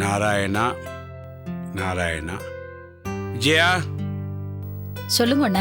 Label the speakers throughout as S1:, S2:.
S1: நாராயணா நாராயணா. விஜயா,
S2: சொல்லுங்க அண்ணா.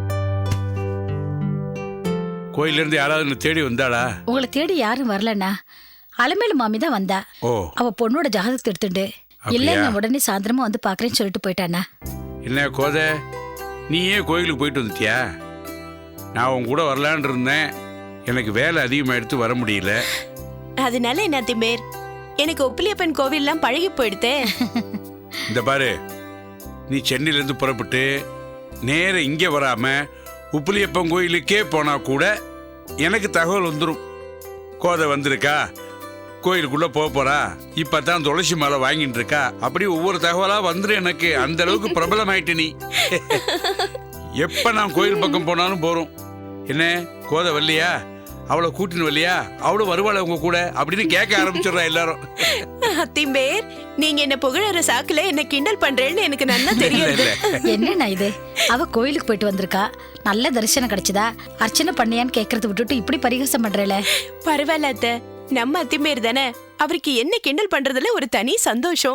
S1: கோயிலிருந்து யாராவது என்னை தேடி வந்தாளா?
S2: உங்களை தேடி யாரும் வரலண்ணா. அலமேலு மாமி தான் வந்தா.
S1: ஓ,
S2: அவ பொண்ணோட ஜாதகத்தை எடுத்துட்டு இல்ல நான் உடனே சாயந்தரமா வந்து பாக்குறேன்னு சொல்லிட்டு போயிட்டாண்ணா.
S1: என்ன கோதை, நீ ஏன் கோயிலுக்கு போயிட்டு வந்துட்டியா? நான் உன் கூட வரலான் இருந்தேன். எனக்கு வேலை அதிகமாக எடுத்து வர முடியல.
S3: அதனால என்ன திமேர், எனக்கு உப்பிலியப்பன் கோவில்லாம் பழகி போயிடுதே.
S1: இந்த பாரு, நீ சென்னையிலேருந்து புறப்பட்டு நேர இங்கே வராம உப்பிலியப்பன் கோயிலுக்கே போனா கூட எனக்கு தகவல் வந்துடும். கோதை வந்திருக்கா, கோயிலுக்குள்ள போறா, இப்பதான் துளசி மாலை வாங்கிட்டு இருக்கா, அப்படி ஒவ்வொரு தகவலா வந்துடும் எனக்கு. அந்த அளவுக்கு பிரபலம் ஆயிட்டு நீ. எப்ப நான் கோயில் பக்கம் போனாலும் போறோம். என்ன கோதை வரலையா, அவளை கூட்டின்னு வரலையா, அவளும் வருவாள் உங்க கூட அப்படின்னு கேட்க ஆரம்பிச்சிடுறா எல்லாரும்.
S3: திம்பேர், நீங்க என்ன புகழற சாக்குல என்ன கிண்டல் பண்றேன்னு எனக்கு நல்லா தெரியும்.
S2: என்னண்ணா இது, அவ கோயிலுக்கு போயிட்டு வந்திருக்கா, நல்ல தரிசனம் கிடைச்சதா, அர்ச்சனை பண்ணியான்னு கேக்குறது விட்டுட்டு இப்படி பரிகாசம் பண்றேல.
S3: பரவாயில்ல அத்தை, நம்ம அத்திமேர் தானே, அவருக்கு என்ன கிண்டல் பண்றதுல ஒரு தனி சந்தோஷம்.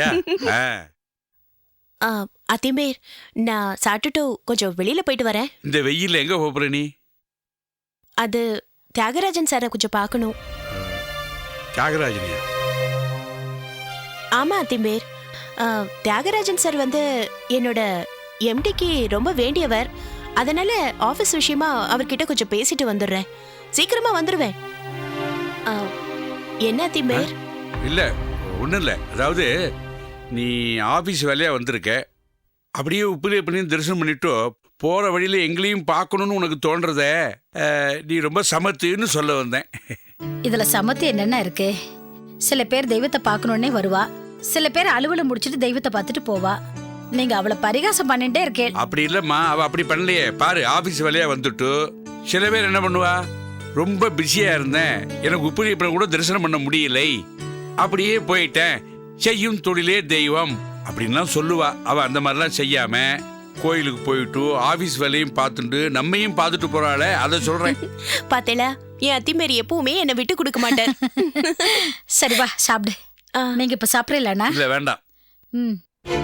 S3: அத்திமேர், நான் சாப்பிட்டுட்டு கொஞ்சம் வெளியில போயிட்டு வரேன்.
S1: இந்த வெயில்ல எங்க போற நீ?
S3: அது தியாகராஜன் சாரை கொஞ்சம் பார்க்கணும்.
S1: தியாகராஜனியா?
S3: ஆமா அத்திமேர், தியாகராஜன் சார் வந்து என்னோட எம்டிக்கு ரொம்ப வேண்டியவர். அதனால ஆபீஸ் விஷயமா அவர்கிட்ட கொஞ்சம் பேசிட்டு வந்துடுறேன். சீக்கிரமா வந்துடுவேன். என்ன அத்திமேர்?
S1: இல்ல ஒண்ணும் இல்ல, அதாவது நீ ஆபீஸ் வேலையா வந்திருக்க, அப்படியே உப்பிலியப்பனையும் தரிசனம் பண்ணிட்டு போற வழியில எங்களையும் பார்க்கணும்னு உனக்கு தோன்றத நீ ரொம்ப சமத்துன்னு சொல்ல வந்தேன்.
S2: இதுல சமத்து என்னென்ன இருக்கு? சில பேர் தெய்வத்தை பார்க்கணுன்னே வருவா, சில பேர் அலுவலை முடிச்சிட்டு தெய்வத்தை பார்த்துட்டு போவா. நீங்க அவளை பரிகாசம் பண்ணிட்டே இருக்கேன்.
S1: அப்படி இல்லம்மா, அவ அப்படி பண்ணலையே. பாரு, ஆபீஸ் வேலையா வந்துட்டு சில பேர் என்ன பண்ணுவா, ரொம்ப பிஸியா இருந்தேன், எனக்கு உப்பிலியப்பனை கூட தரிசனம் பண்ண முடியலை, அப்படியே போயிட்டேன், செய்யும் தொழிலே தெய்வம் அப்படின்லாம் சொல்லுவா. அவ அந்த மாதிரிலாம் செய்யாம கோயிலுக்கு போயிட்டு ஆபீஸ் வேலையும் பார்த்துட்டு நம்மையும் பார்த்துட்டு போறாளே, அதை சொல்றேன்.
S3: பாத்தேல, என் அத்திமேரி எப்பவுமே என்னை விட்டு கொடுக்க மாட்டேன்.
S2: சரி வா சாப்பிடு. நீங்க இப்ப சாப்பிடலண்ணா?
S1: இல்ல வேண்டாம்.
S2: ம்.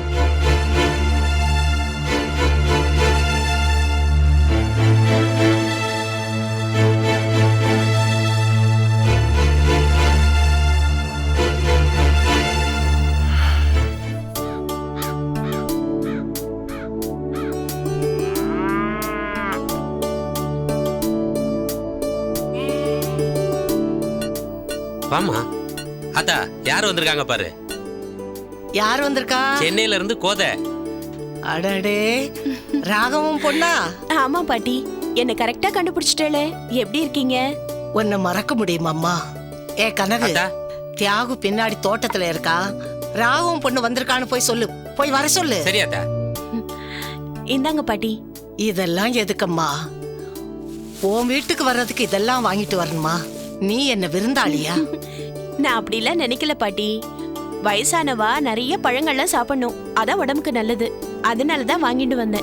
S4: வாமா. அத்தா, யார் வந்திருக்காங்க பாரு.
S5: யார் வந்திருக்கா?
S4: சென்னையில இருந்து கோதை.
S5: அடடே, ராகவம் பொண்ணா?
S3: ஆமா பாட்டி, என்ன கரெக்டா கண்டுபிடிச்சிட்டே. எப்படி இருக்கீங்க?
S5: உன்னை மறக்க முடியுமாம்மா? ஏ கனகு, தியாகு பின்னாடி தோட்டத்துல இருக்கா, ராகவம் பொண்ணு வந்திருக்கான்னு போய் சொல்லு, போய் வர சொல்லு.
S4: சரியாத்தா.
S3: இந்தாங்க பாட்டி.
S5: இதெல்லாம் எதுக்கம்மா? உன் வீட்டுக்கு வர்றதுக்கு இதெல்லாம் வாங்கிட்டு வரணுமா? நீ என்ன விருந்தாளியா?
S3: நான் அப்படிலாம் நினைக்கல பாட்டி. வயசானவா நிறைய பழங்கள்லாம் சாப்பிடணும், அதான் உடம்புக்கு நல்லது. அதனாலதான் வாங்கிட்டு வந்தேன்.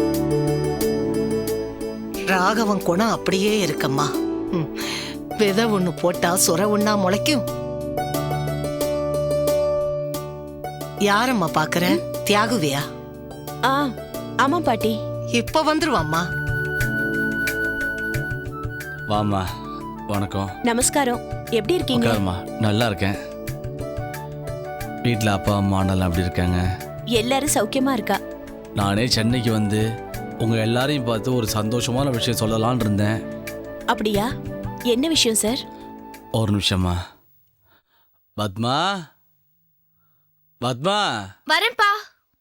S5: ராகவன் குணம் அப்படியே இருக்கம்மா. விதை ஒண்ணு போட்டா சுர ஒண்ணா முளைக்கும். யாரம்மா பாக்குற? தியாகுவியா?
S3: ஆமா பாட்டி.
S5: இப்ப வந்துருவாம்மா.
S6: வாமா. வணக்கம்.
S3: நமஸ்காரம். எப்படி இருக்கீங்க?
S6: உட்காருமா. நல்லா இருக்கேன். வீட்டில் அப்பா அம்மா அண்ணெல்லாம் எப்படி இருக்காங்க?
S3: எல்லாரும் சௌக்கியமா இருக்கா.
S6: நானே சென்னைக்கு வந்து உங்கள் எல்லாரையும் பார்த்து ஒரு சந்தோஷமான விஷயம் சொல்லலான் இருந்தேன்.
S3: அப்படியா? என்ன விஷயம் சார்?
S6: ஒரு நிமிஷமா. பத்மா, பத்மா.
S3: வரேன்பா.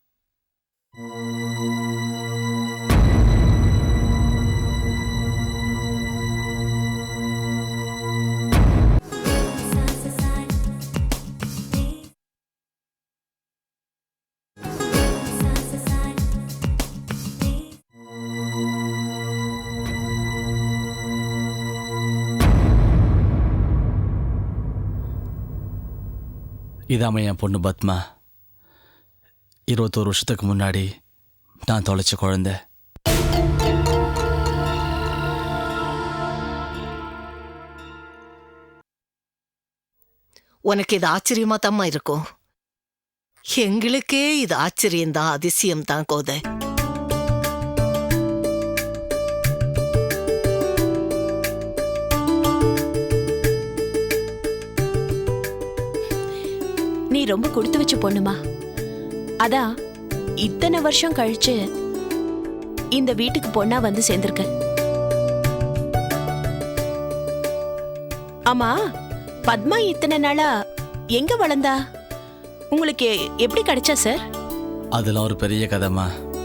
S6: இதாம என் பொண்ணு பத்மா. 21 வருஷத்துக்கு முன்னாடி நான் தொலைச்ச குழந்தை.
S5: உனக்கு இது ஆச்சரியமா தாம்மா இருக்கும். எங்களுக்கே இது ஆச்சரியம்தான், அதிசயம்தான் கோதை.
S3: நீ ரொம்ப கொடுத்து வச்ச பொண்ணுமா. அதான் இத்தனை வருஷம் கழிச்சு இந்த வீட்டுக்கு பொண்ணா வந்து சேர்ந்திருக்க. ஆமா, பத்மா இத்தனை நாளா எங்க வளர்ந்தா? உங்களுக்கு எப்படி கிடைச்சா சார்?
S6: அதெல்லாம் ஒரு பெரிய கதைமா.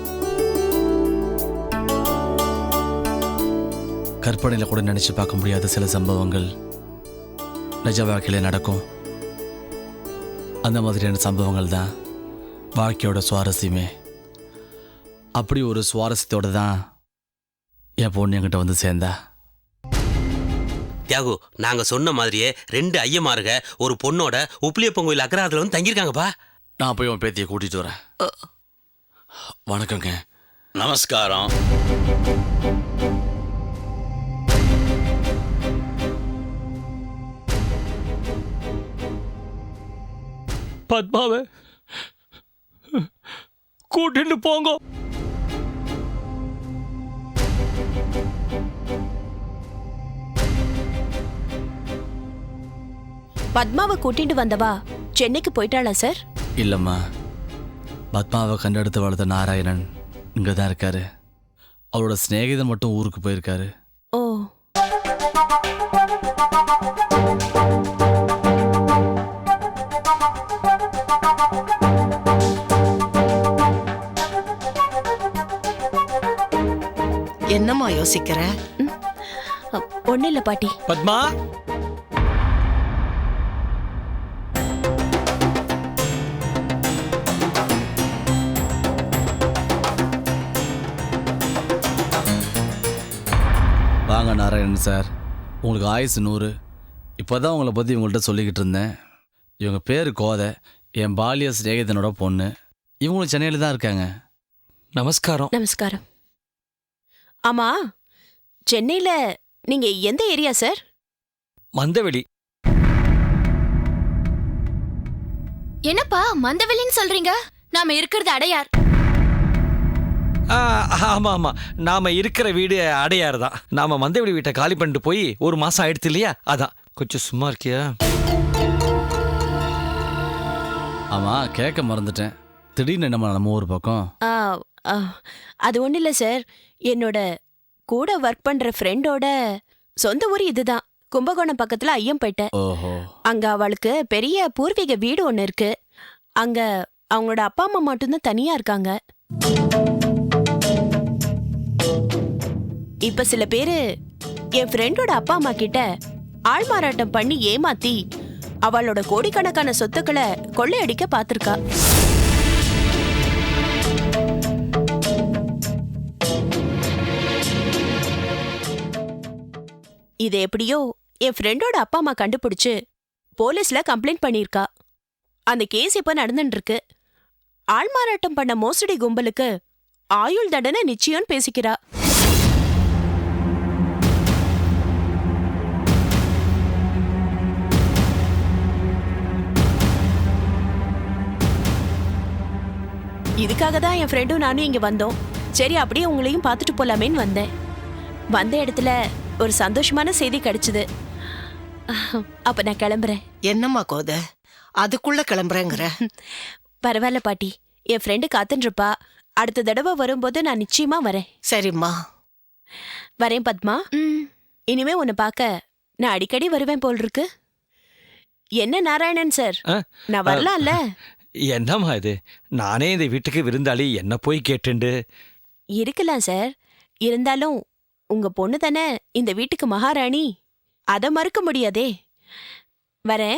S6: கற்பனையில் கூட நினைச்சு பார்க்க முடியாத சில சம்பவங்கள் நிஜ வாழ்க்கையில நடக்கும். அந்த மாதிரியான சம்பவங்கள் தான் வாழ்க்கையோட சுவாரஸ்யமே. அப்படி ஒரு சுவாரஸ்யத்தோட தான் என் பொண்ணு என்கிட்ட வந்து சேர்ந்தா.
S4: தியாகு, நாங்க சொன்ன மாதிரியே 2 ஐயமாருக ஒரு பொண்ணோட உப்பிலியப்பன் கோயில் அக்ரஹாரத்துல வந்து தங்கியிருக்காங்கப்பா.
S6: நான் போய் உன் பேத்தியை கூட்டிட்டு வரேன். வணக்கங்க.
S7: நமஸ்காரம்.
S8: பத்மாவை கூட்டிட்டு போங்க.
S3: பத்மாவை கூட்டிட்டு வந்தவா சென்னைக்கு போயிட்டாளா சார்?
S6: இல்லைம்மா, பத்மாவை கண்டெடுத்து வளர்த்த நாராயணன் இங்கே தான் இருக்காரு. அவரோட சிநேகிதன் மட்டும் ஊருக்கு போயிருக்காரு.
S3: ஓ,
S5: என்னம்மா யோசிக்கிற?
S3: ஒண்ணு இல்ல பாட்டி.
S8: பத்மா,
S6: வாங்க நாராயணன் சார், உங்களுக்கு ஆயுசு 100. இப்போ தான் உங்களை பற்றி இவங்கள்ட்ட சொல்லிக்கிட்டு இருந்தேன். இவங்க பேர் கோதை, என் பாலிய சிநேகிதனோட பொண்ணு. இவங்களும் சென்னையில் தான் இருக்காங்க.
S8: நமஸ்காரம்.
S3: நமஸ்காரம். ஆமா, சென்னையில நீங்க எந்த ஏரியா சார்?
S8: மந்தவெளி.
S9: என்னப்பா மந்தவெளின்னு சொல்றீங்க? நாம இருக்கிறது அடையார்.
S8: ஆமா ஆமா, நாம இருக்கிற வீடு அடையாறு தான். நாம மந்தவெளி வீட்டை காலி பண்ணிட்டு போய் 1 மாசம் ஆயிடுத்து இல்லையா? அதான். கொஞ்சம் சும்மா இருக்கியா?
S6: ஆமாம், கேட்க மறந்துட்டேன். திடீர்னு நம்ம ஊர் பக்கம்.
S3: ஆ, ஆ, அது ஒண்ணு இல்ல சார். என்னோட கூட ஒர்க் பண்ற ஃப்ரெண்டோட சொந்த ஊர் இதுதான். கும்பகோணம் பக்கத்துல ஐயம்பேட்டை.
S6: ஓஹோ.
S3: அங்க அவளுக்கு பெரிய பூர்வீக வீடு ஒண்ணு இருக்கு. அங்க அவங்களோட அப்பா அம்மா மட்டும்தான் தனியா இருக்காங்க. இப்ப சில பேரு என் ஃப்ரெண்டோட அப்பா அம்மா கிட்ட ஆள் மாறாட்டம் பண்ணி ஏமாத்தி அவளோட கோடிக்கணக்கான சொத்துக்களை கொள்ளையடிக்க பாத்திருக்கா. இது எப்படியோ என் ஃப்ரெண்டோட அப்பா அம்மா கண்டுபிடிச்சு போலீஸ்ல கம்ப்ளைண்ட் பண்ணிருக்கா. அந்த கேஸ் இப்ப நடந்துட்டு இருக்கு. ஆள்மாறாட்டம் பண்ண மோசடி கும்பலுக்கு ஆயுள் தண்டனை நிச்சயம் பேசிக்கிறா. இதுக்காக தான் என் ஃப்ரெண்டும் நானும் இங்க வந்தோம். சரி, அப்படியே உங்களையும் பார்த்துட்டு போலாமேன்னு வந்தேன். வந்த இடத்துல ஒரு சந்தோஷமான செய்தி கிடைச்சது. அப்ப நான் கிளம்புறேன்.
S5: என்னம்மா கோதை, அதுக்குள்ள கிளம்புறேங்கிற?
S3: பரவாயில்ல பாட்டி, என் ஃப்ரெண்டு காத்துன்னு இருப்பா. அடுத்த தடவை வரும்போது நான் நிச்சயமா வரேன்.
S5: சரிம்மா.
S3: வரேன் பத்மா. இனிமே உன்னை பார்க்க நான் அடிக்கடி வருவேன் போல் இருக்கு. என்ன நாராயணன் சார், நான் வரலாம்ல?
S8: என்னம்மா இது? நானே இந்த வீட்டுக்கு விருந்தாளி, என்ன போய் கேட்டுண்டு?
S3: இருக்கலாம் சார். இருந்தாலும் உங்க பொண்ணு தானே இந்த வீட்டுக்கு மகாராணி. அத மறுக்க முடியாதே. வரேன்.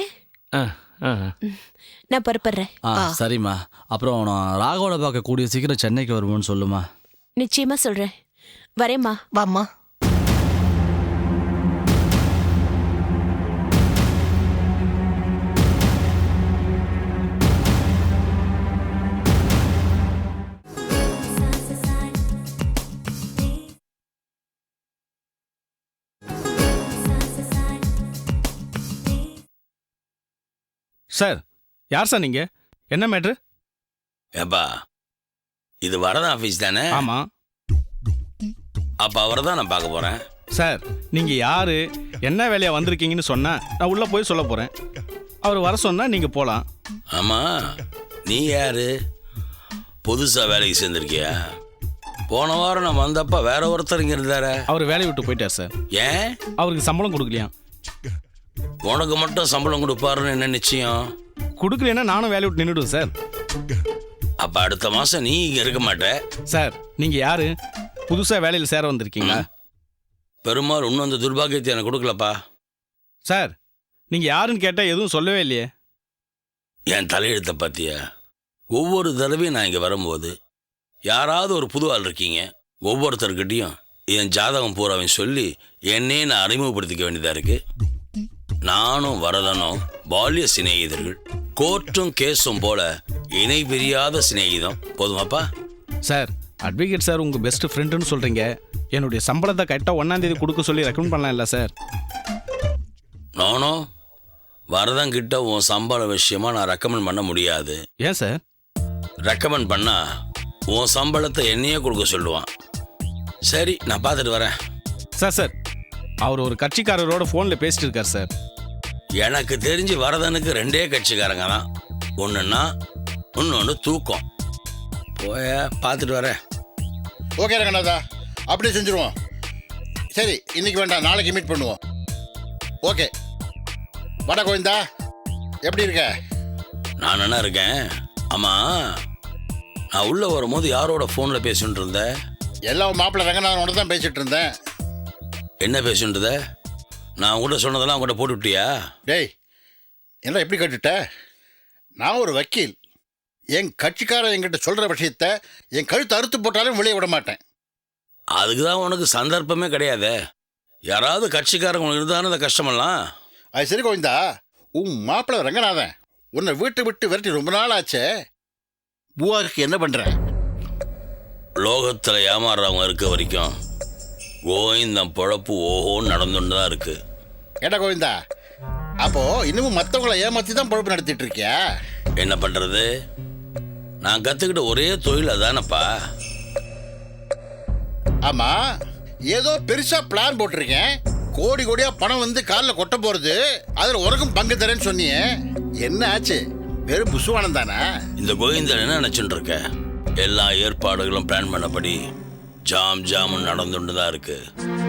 S3: நான் புறப்படுறேன்.
S6: சரிம்மா. அப்புறம் நான் ராகவனை பார்க்க கூடிய சீக்கிரம் சென்னைக்கு வருவோன்னு சொல்லுமா.
S3: நிச்சயமா சொல்றேன். வரேம்மா.
S5: வாம்மா.
S10: சார், யார் சார் நீங்க? என்ன மேட்ரு?
S7: ஏப்பா இது வரதன் ஆஃபீஸ் தானே?
S10: ஆமாம்
S7: அப்போ அவரை தான் நான் பார்க்க போகிறேன்.
S10: சார், நீங்கள் யார் என்ன வேலையாக வந்திருக்கீங்கன்னு சொன்னால் நான் உள்ளே போய் சொல்ல போகிறேன். அவர் வர சொன்னால் நீங்கள் போகலாம்.
S7: ஆமாம், நீ யாரு? புதுசாக வேலைக்கு சேர்ந்துருக்கியா? போன வாரம் நான் வந்தப்ப வேற ஒருத்தர் இங்கே இருந்தார.
S10: அவர் வேலையை விட்டு போயிட்டார் சார்.
S7: ஏன்?
S10: அவருக்கு சம்பளம் கொடுக்கலையா?
S7: உனக்கு மட்டும் சம்பளம் கொடுப்பாருன்னு என்ன நிச்சயம்?
S10: கொடுக்கலன்னா நானும் வேலையை விட்டு நின்றுடுவேன் சார்.
S7: அப்போ அடுத்த மாதம் நீ இங்கே இருக்க மாட்ட.
S10: சார், நீங்கள் யார் புதுசாக வேலையில் சேர வந்திருக்கீங்களா?
S7: பெருமாள் இன்னும் அந்த துர்பாகியத்தை எனக்கு கொடுக்கலப்பா.
S10: சார், நீங்கள் யாருன்னு கேட்டால் எதுவும் சொல்லவே இல்லையே.
S7: என் தலையெழுத்தை பார்த்தியா? ஒவ்வொரு தடவையும் நான் இங்கே வரும்போது யாராவது ஒரு புது ஆள் இருக்கீங்க. ஒவ்வொருத்தர்கிட்டையும் என் ஜாதகம் பூராவையும் சொல்லி என்னே நான் அறிமுகப்படுத்திக்க வேண்டியதாக இருக்கு. நானும் வரதனும் பால்ய சிநேகிதர்கள், கோர்ட்டும் கேஸும் போல இணை பிரியாத சிநேகிதம். போதுமாப்பா?
S10: சார், அட்வொகேட் சார் உங்கள் பெஸ்ட் ஃப்ரெண்டுன்னு சொல்கிறீங்க. என்னுடைய சம்பளத்தை கரெக்டாக 1ஆம் தேதி கொடுக்க சொல்லி ரெக்கமெண்ட் பண்ணலாம் இல்லை சார்?
S7: நானும் வரதன் கிட்ட உன் சம்பள விஷயமா நான் ரெக்கமெண்ட் பண்ண முடியாது.
S10: ஏன் சார்?
S7: ரெக்கமெண்ட் பண்ணா உன் சம்பளத்தை என்னையே கொடுக்க சொல்லுவான். சரி, நான் பார்த்துட்டு வரேன்.
S10: சார், அவர் ஒரு கட்சிக்காரரோட ஃபோனில் பேசிட்டு இருக்கார் சார்.
S7: எனக்கு தெரிஞ்சு வரதனுக்கு 2 கட்சிக்காரங்க தான். ஒன்றுன்னா இன்னொன்று தூக்கம். போய பார்த்துட்டு வரேன்.
S11: ஓகே ரங்கநாதா, அப்படியே செஞ்சுருவோம். சரி, இன்னைக்கு வேண்டாம், நாளைக்கு மீட் பண்ணுவோம். ஓகே. வட கோவிந்தா, எப்படி இருக்க?
S7: நான் என்ன இருக்கேன். ஆமாம், நான் உள்ளே வரும்போது யாரோட ஃபோனில் பேசிட்டு இருந்தேன்?
S11: எல்லாம் மாப்பிள்ளை ரங்கநாதனோட தான் பேசிட்டு இருந்தேன்.
S7: என்ன பேசிட்டு இருந்த? நான் உங்கள்கிட்ட சொன்னதெல்லாம் உங்கள்கிட்ட போட்டு விட்டியா?
S11: டேய், என்ன எப்படி கேட்டுட்ட? நான் ஒரு வக்கீல். என் கட்சிக்காரன் என்கிட்ட சொல்கிற விஷயத்த என் கழுத்து அறுத்து போட்டாலும் வெளியே விட மாட்டேன்.
S7: அதுக்கு தான் உனக்கு சந்தர்ப்பமே கிடையாது. யாராவது கட்சிக்காரங்க உனக்கு இருந்தாலும் அந்த கஷ்டமெல்லாம்.
S11: அது சரி கோவிந்தா, உன் மாப்பிள்ளை ரங்கநாதன் உன்னை வீட்டை விட்டு விரட்டி ரொம்ப நாள் ஆச்சே. பூவாருக்கு என்ன பண்ணுற?
S7: லோகத்தில் ஏமாறுறவங்க இருக்க வரைக்கும் கோவிந்தன் பொழப்பு ஓஹோன்னு நடந்துட்டு தான் இருக்கு.
S11: ஏடா கோவிந்தா, அப்போ இன்னமும் மற்றவங்களை ஏமாற்றி தான் பொழப்பு நடத்திட்டு இருக்கியா?
S7: என்ன பண்ணுறது? நான் கற்றுக்கிட்ட ஒரே தொழில் அதானப்பா.
S11: ஆமாம், ஏதோ பெருசாக பிளான் போட்டிருக்கேன். கோடி கோடியாக பணம் வந்து காலில் கொட்ட போகிறது, அதில் உனக்கும் பங்கு தரேன்னு சொன்னியே. என்ன ஆச்சு? வெறும் புசுவானம் தானே?
S7: இந்த கோவிந்தன் என்ன நினச்சிட்டு இருக்க? எல்லா ஏற்பாடுகளும் பிளான் பண்ணபடி ஜாமுன்னு நடந்துட்டு தான் இருக்கு.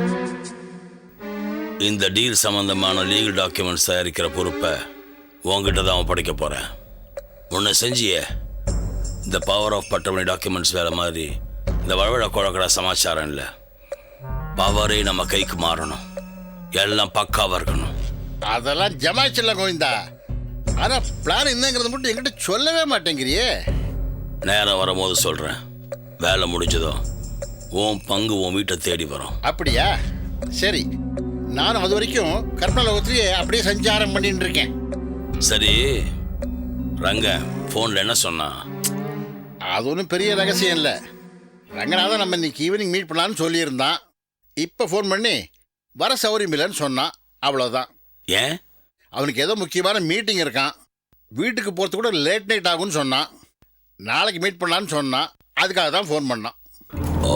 S7: இந்த டீல் சம்பந்தமான லீகல் டாக்குமெண்ட்ஸ் தயாரிக்கிற பொறுப்பை உங்ககிட்ட தான் ஒப்படைக்க போகிறேன். உன்னை செஞ்சியே இந்த பவர் ஆஃப் பட்டமணி டாக்குமெண்ட்ஸ் வேலை மாதிரி இந்த வழவழ குழக்கடா சமாச்சாரம் இல்லை. பவரே நம்ம கைக்கு மாறணும். எல்லாம் பக்காவாக இருக்கணும்.
S11: அதெல்லாம் ஜமாச்சில்ல கோவிந்தா. ஆனால் பிளான் என்னங்கிறது மட்டும் என்கிட்ட சொல்லவே மாட்டேங்கிறியே.
S7: நேரம் வரும்போது சொல்கிறேன். வேலை முடிஞ்சதும் உன் பங்கு உன் வீட்டை தேடி வரும்.
S11: அப்படியா? சரி, நானும் அது வரைக்கும் கற்பனை லோகத்திலேயே அப்படியே சஞ்சாரம் பண்ணிட்டு இருக்கேன்.
S7: சரி, ரங்க ஃபோனில் என்ன சொன்னான்?
S11: அது ஒன்றும் பெரிய ரகசியம் இல்லை. ரங்கநாதன் நம்ம இன்னைக்கு ஈவினிங் மீட் பண்ணலான்னு சொல்லியிருந்தான். இப்போ ஃபோன் பண்ணி வர சௌரியம் இல்லைன்னு சொன்னான். அவ்வளோதான்.
S7: ஏன்?
S11: அவனுக்கு ஏதோ முக்கியமான மீட்டிங் இருக்கான். வீட்டுக்கு போகிறது கூட லேட் நைட் ஆகும்னு சொன்னான். நாளைக்கு மீட் பண்ணலான்னு சொன்னான். அதுக்காக தான் ஃபோன் பண்ணான்.
S7: ஓ,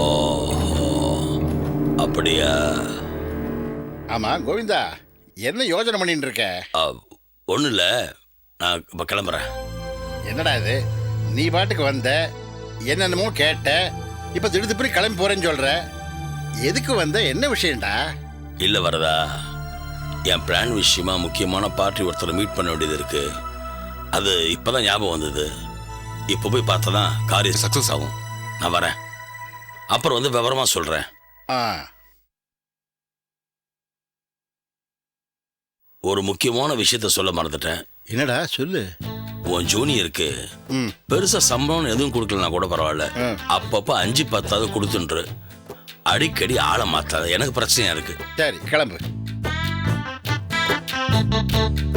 S7: அப்படியா?
S11: ஆமாம் கோவிந்தா, என்ன யோசனை பண்ணிட்டு இருக்க?
S7: ஒன்றும் இல்லை, நான் இப்போ கிளம்புறேன்.
S11: என்னடா இது, நீ பாட்டுக்கு வந்த, என்னென்னமோ கேட்ட, இப்போ திடுதிப்படி கிளம்பி போகிறேன்னு சொல்கிற. எதுக்கு வந்த? என்ன விஷயம்டா?
S7: இல்லை வரதா, என் பிளான் விஷயமா முக்கியமான பார்ட்டி ஒருத்தரை மீட் பண்ண வேண்டியது இருக்கு. அது இப்போ தான் ஞாபகம் வந்தது. இப்போ போய் பார்த்தா தான் காரியம் சக்ஸஸ் ஆகும். நான் வரேன், அப்புறம் வந்து விவரமாக சொல்கிறேன். ஒரு முக்கியமான விஷயத்த சொல்ல மறந்துட்டேன்.
S11: என்னடா சொல்லு.
S7: உன் ஜூனியருக்கு பெருசா சம்பளம் எதுவும் கொடுக்கலனா கூட பரவாயில்ல, அப்பப்போ 5-10 கொடுத்துன்று. அடிக்கடி ஆளை மாத்தாத, எனக்கு பிரச்சனையா இருக்கு.
S11: சரி, கிளம்பு.